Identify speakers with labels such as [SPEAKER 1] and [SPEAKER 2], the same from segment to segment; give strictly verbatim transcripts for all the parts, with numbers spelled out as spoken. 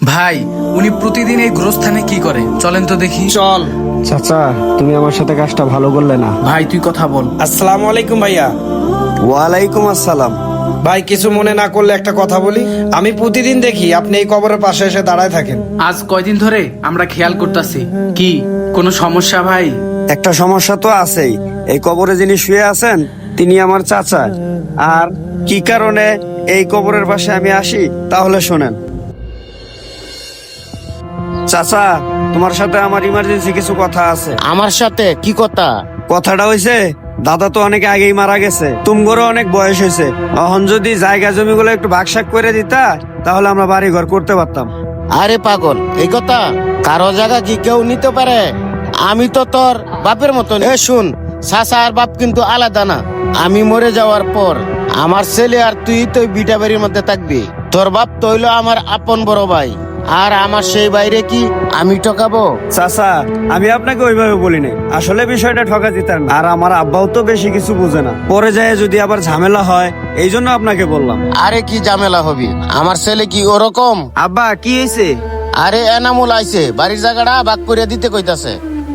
[SPEAKER 1] ভাই, উনি প্রতিদিন এই গোরস্থানে কি করে চলেন তো দেখি।
[SPEAKER 2] চল।
[SPEAKER 3] চাচা, তুমি আমার সাথে কাজটা ভালো করলে না।
[SPEAKER 1] ভাই তুই কথা বল।
[SPEAKER 2] আসসালামু আলাইকুম ভাইয়া।
[SPEAKER 3] ওয়ালাইকুম আসসালাম।
[SPEAKER 2] ভাই কিছু মনে না করলে একটা কথা বলি। আমি প্রতিদিন দেখি আপনি এই কবরের পাশে এসে দাঁড়ায় থাকেন।
[SPEAKER 1] আজ কয়দিন ধরে আমরা খেয়াল করতেছি। কি কোনো সমস্যা ভাই?
[SPEAKER 3] একটা সমস্যা তো আছেই। এই কবরে যিনি শুয়ে আছেন তিনি আমার চাচা। আর কি কারণে এই কবরের পাশে আমি আসি তাহলে শোনেন। চাচা, তোমার সাথে আমার ইমার্জেন্সি কিছু কথা আছে।
[SPEAKER 4] আমার সাথে কি কথা?
[SPEAKER 3] কথাটা হইছে, দাদা তো অনেক আগেই মারা গেছে, তুমগরও অনেক বয়স হয়েছে। এখন যদি জায়গা জমিগুলো একটু ভাগসাক করে দিতা তাহলে আমরা বাড়ি ঘর করতে পারতাম।
[SPEAKER 4] আরে পাগল, এই কথা কারো জায়গা কি কেউ নিতে পারে? আমি তো তোর বাপের মতন। এ শুন, চাচা আর বাপ কিন্তু আলাদা না। আমি মরে যাওয়ার পর আমার ছেলে আর তুই তো বিটা বাড়ির মধ্যে থাকবি। তোর বাপ তো হইলো আমার আপন বড় ভাই, আর আমার সেই বাইরে কি আমি ঠকাবো?
[SPEAKER 3] চাচা, আমি আপনাকে ওইভাবে বলি নাই, আসলে বিষয়টা ঠকা দিতার না। আর আমার আব্বাও তো বেশি কিছু বুঝে না, পরে যায় যদি আবার ঝামেলা হয়, এই জন্য আপনাকে বললাম।
[SPEAKER 4] আরে কি ঝামেলা হবি? আমার ছেলে কি ওরকম?
[SPEAKER 3] আব্বা, কি হয়েছে?
[SPEAKER 4] আরে এনামুল আইছে, বাড়ির জায়গাটা ভাগ করে দিতে কইতাছে।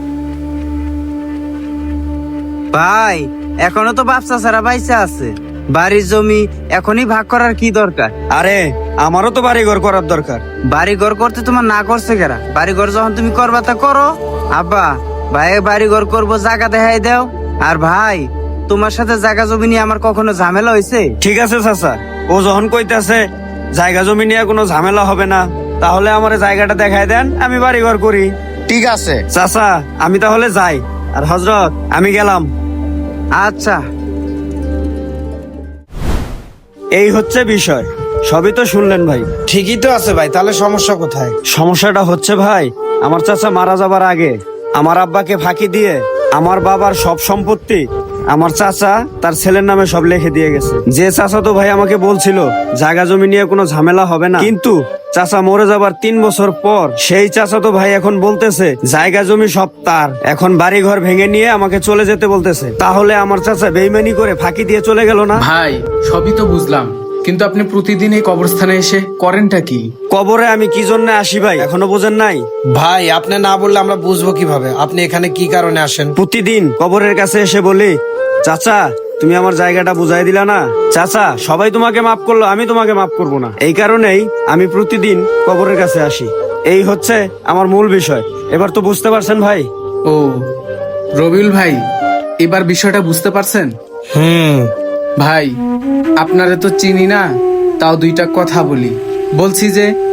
[SPEAKER 5] ভাই, এখনো তো বাপ চাচারা বাইসা আছে, বাড়ির জমি এখনই ভাগ করার কি দরকার?
[SPEAKER 3] আরে আমারও তো বাড়ি ঘর করার দরকার।
[SPEAKER 5] বাড়ি ঘর করতে তোমার না করছে কেরা? বাড়ি ঘর যখন তুমি করবা তা করো। আব্বা, ভাই বাড়ি ঘর করবো, জায়গা দেখাই দাও। আর ভাই, তোমার সাথে জায়গা জমি নিয়ে আমার কখনো ঝামেলা হয়েছে?
[SPEAKER 3] ঠিক আছে চাচা, ও যখন কইতাছে জায়গা জমি নিয়ে কোনো ঝামেলা হবে না, তাহলে আমার জায়গাটা দেখাই দেন, আমি বাড়ি ঘর করি।
[SPEAKER 4] ঠিক আছে
[SPEAKER 3] চাচা, আমি তাহলে যাই। আর হযরত, আমি গেলাম।
[SPEAKER 5] আচ্ছা।
[SPEAKER 3] এই হচ্ছে বিষয়, সবই তো শুনলেন ভাই।
[SPEAKER 2] ঠিকই তো আছে ভাই, তাহলে সমস্যা কোথায়?
[SPEAKER 3] সমস্যাটা হচ্ছে ভাই, আমার চাচা মারা যাবার আগে আমার আব্বাকে ফাঁকি দিয়ে আমার বাবার সব সম্পত্তি আমার চাচা তার ছেলের নামে সব লিখে দিয়ে গেছে। যে চাচা তো ভাই আমাকে বলছিল জায়গা জমি নিয়ে কোনো ঝামেলা হবে না, কিন্তু চাচা মরে যাবার তিন বছর পর সেই চাচা তো ভাই এখন বলতেছে জায়গা জমি সব তার, এখন বাড়ি ঘর ভেঙে নিয়ে আমাকে চলে যেতে বলতেছে। তাহলে আমার চাচা বেইমানি করে ফাঁকি দিয়ে চলে গেল না?
[SPEAKER 1] ভাই সবই তো বুঝলাম, কিন্তু আপনি প্রতিদিন এই কবরস্থানে এসে করেনটা কি?
[SPEAKER 3] কবরে আমি কি জন্য আসি ভাই এখনো বোঝেন নাই?
[SPEAKER 2] ভাই আপনি না বললে আমরা বুঝবো কিভাবে আপনি এখানে কি কারণে আসেন?
[SPEAKER 3] প্রতিদিন কবরের কাছে এসে বলি, চাচা তুমি আমার জায়গাটা বুঝাই দিলা না। চাচা, সবাই তোমাকে মাফ করলো, আমি তোমাকে মাফ করবো না। এই কারণেই আমি প্রতিদিন কবরের কাছে আসি। এই হচ্ছে আমার মূল বিষয়। এবার তো বুঝতে পারছেন ভাই?
[SPEAKER 1] ও রবিউল ভাই, এবার বিষয়টা বুঝতে পারছেন?
[SPEAKER 2] হুম।
[SPEAKER 1] ভাই আপনারে তো চিনি না, তাও দুইটা কথা বলি। বলছি যে